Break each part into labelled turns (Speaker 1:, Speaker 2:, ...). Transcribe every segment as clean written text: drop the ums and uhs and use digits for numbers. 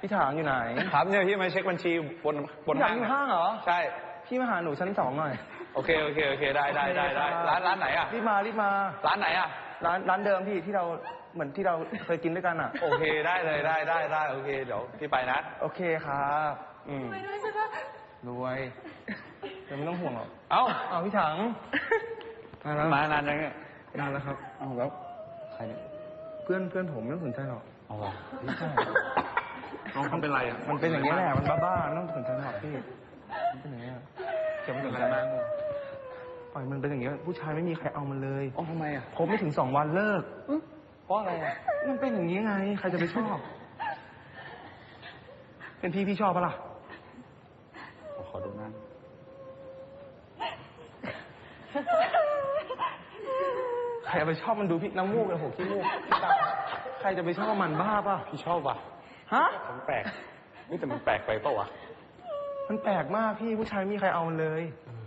Speaker 1: พี่ถางอยู่ไหน
Speaker 2: ครับเนี่ยพี่มาเช็คบัญชีบน
Speaker 1: ห้างอยู่ห้างเหรอ
Speaker 2: ใช่
Speaker 1: พี่มาหาหนูชั้น2หน่อย
Speaker 2: โอเคได้ร้านไหนอ่ะ
Speaker 1: รีบมา
Speaker 2: ร้านไหนอ่ะ
Speaker 1: ร้านเดิมพี่ที่เราเหมือนที่เราเคยกินด้วยกันอ่ะ
Speaker 2: โอเคได้เลยได้โอเคเดี๋ยวพี่ไปนะ
Speaker 1: โอเคครับ
Speaker 3: ไปด้วยใช่ปะ
Speaker 1: รวยเดี๋ยวไม่ต้องห่วงหรอก
Speaker 2: เอา
Speaker 1: พี่ถัง
Speaker 2: มานานยังเนี่ย
Speaker 1: นานแล้วครับ
Speaker 2: เอาแล้วใครเนี่ย
Speaker 1: เพื่อนผมไม่ต้องสนใจหรอก
Speaker 2: เอาหรอ
Speaker 1: ไม่ใช่
Speaker 2: น้องเขาเป็นไรอ่ะ
Speaker 1: มันเป็นอย่างนี้แหละมันบ้าๆไม่ต้องสนใจหรอกพี่มันเป็นอย่างนี้เก็บมันเป็นอะไรมากปล่อยมันเป็นอย่างนี้ผู้ชายไม่มีใครเอามันเลย
Speaker 2: ทำไมอ่ะ
Speaker 1: คบไม่ถึง2 วันเลิก
Speaker 2: เพราะอะไรอ่ะ
Speaker 1: มันเป็นอย่างนี้ไงใครจะไปชอบเป็นพี่ชอบปะล่ะ
Speaker 2: ขอดูหน้า
Speaker 1: ใครจะไปชอบมันดูพี่น้ำมูกเลยขี้มูกใครจะไปชอบมันบ้าป่ะ
Speaker 2: พี่ชอบป่ะ
Speaker 1: ฮะ
Speaker 2: มันแปลกนี่แต่มันแปลกไปเปล่าวะ
Speaker 1: มันแปลกมากพี่ผู้ชายไม่มีใครเอามันเลย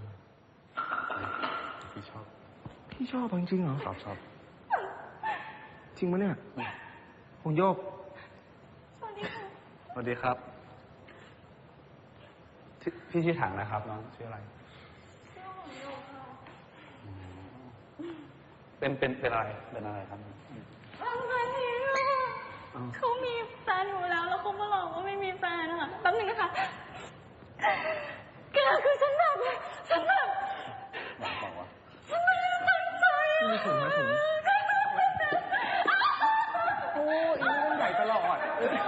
Speaker 2: พี่ช
Speaker 1: อบจริงเหรอ
Speaker 2: ชอบ
Speaker 1: จริงปะเนี่ยหงโยก
Speaker 2: สวัสดีครับพี่ชื่อถังนะครับน้องชื่ออะไรเป็นอะไรครับ
Speaker 3: เขามีแฟนอยู่แล้วเขามาหลอกว่าไม่มีแฟนนะคะแป๊บนึงนะคะแกคือฉันแบบฉันไม่ได้ตั้งใจ
Speaker 1: มีถุงโอ้ยนี่มันใหญ่ตลอด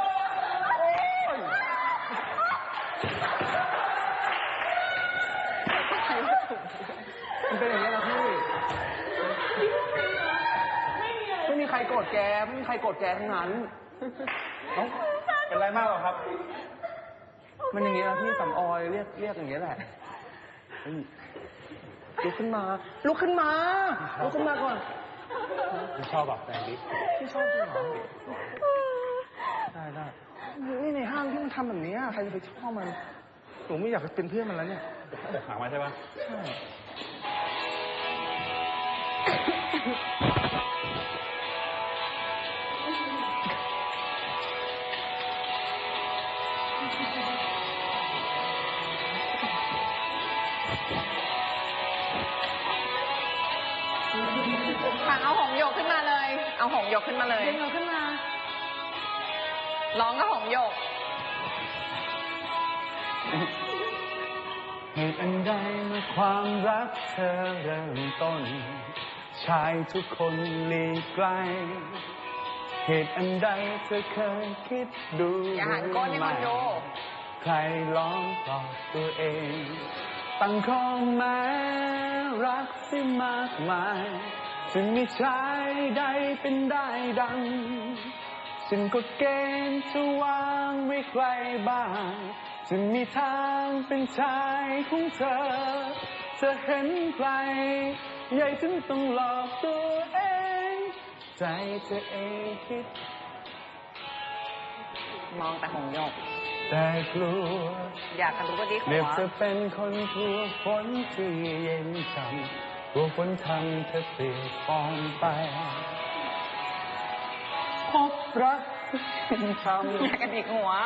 Speaker 1: มันเป็นอย่างนี้นะพี่ไม่มีใครโกรธแกไม่มีใครโกรธแกทั้งนั้น
Speaker 2: เป็นไรมากหรอครับ
Speaker 1: มันอย่างนี้นะพี่สำออยเรียกอย่างนี้แหละลุกขึ้นมาก่อน
Speaker 2: พี่ชอบแบบแฟนดิ
Speaker 1: พี่ชอบจริงเหรอได้นี่ในห้างที่มันทำแบบนี้ใครจะไปชอบมันหนูไม่อยากเป็นเพื่อนมันแล้วเนี่ย
Speaker 2: หามาใช่ปะ
Speaker 1: ใช่
Speaker 4: เอาหงโยกขึ้นมาเลยเอาหงโยกขึ้นมาเลย
Speaker 3: ขึ้นมา
Speaker 4: ร้องก็หงโยก
Speaker 2: เหตุอันใดเมื่อความรักเธอเริ่มต้นชายทุกคนหลีกไกลเหตุอันใดเธอเคยคิดดู
Speaker 4: อย่าหันก้นให้คนดู
Speaker 2: ใครลองตอบตัวเองตั้งข้อแม้รักที่มากมายจึงมีชายใดเป็นได้ดังฉันก็เกณฑ์จะวางไว้ใครบ้างจะมีทางเป็นชายของเธอจะเห็นใครใหญ่ถึงต้องหลอกตัวเองใจเธอเองคิด
Speaker 4: มองแต่หงโยก
Speaker 2: แต่กลัว
Speaker 4: อยากรู้ว่าดีหัว
Speaker 2: เรียกเธอเป็นคนกลัวฝนที่เย็นช่ำกลัวฝนทำเธอเปลี่ยนฟองไปพบรักที่ช้ำ
Speaker 4: อยากกระดิกหัว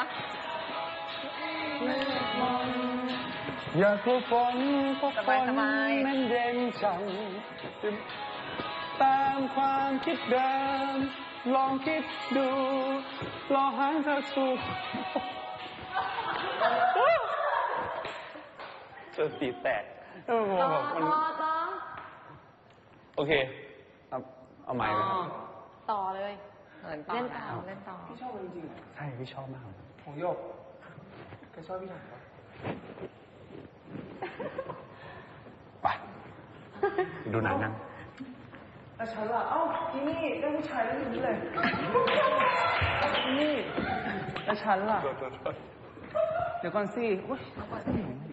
Speaker 2: อยากกลัวฝนเพราะฝนมันเย็นช่ำตามความคิดเดิมลองคิดดูรอหางเธอสุขเจอตีแตกโอเคเอาใหม่เลย
Speaker 3: ต่อเลยเล่นต่อ
Speaker 1: พี่ชอบมันจริง
Speaker 2: ใช่พี่ชอบมาก
Speaker 1: ของโยกแกชอบพี่ถัง
Speaker 2: ไปดูหนังนั่ง
Speaker 1: แล้วฉันล่ะที่นี่ได้ผู้ชายแล้วอย่างนี้เลยนี่แล้วฉันล่ะเดี๋ยวก่อนสิ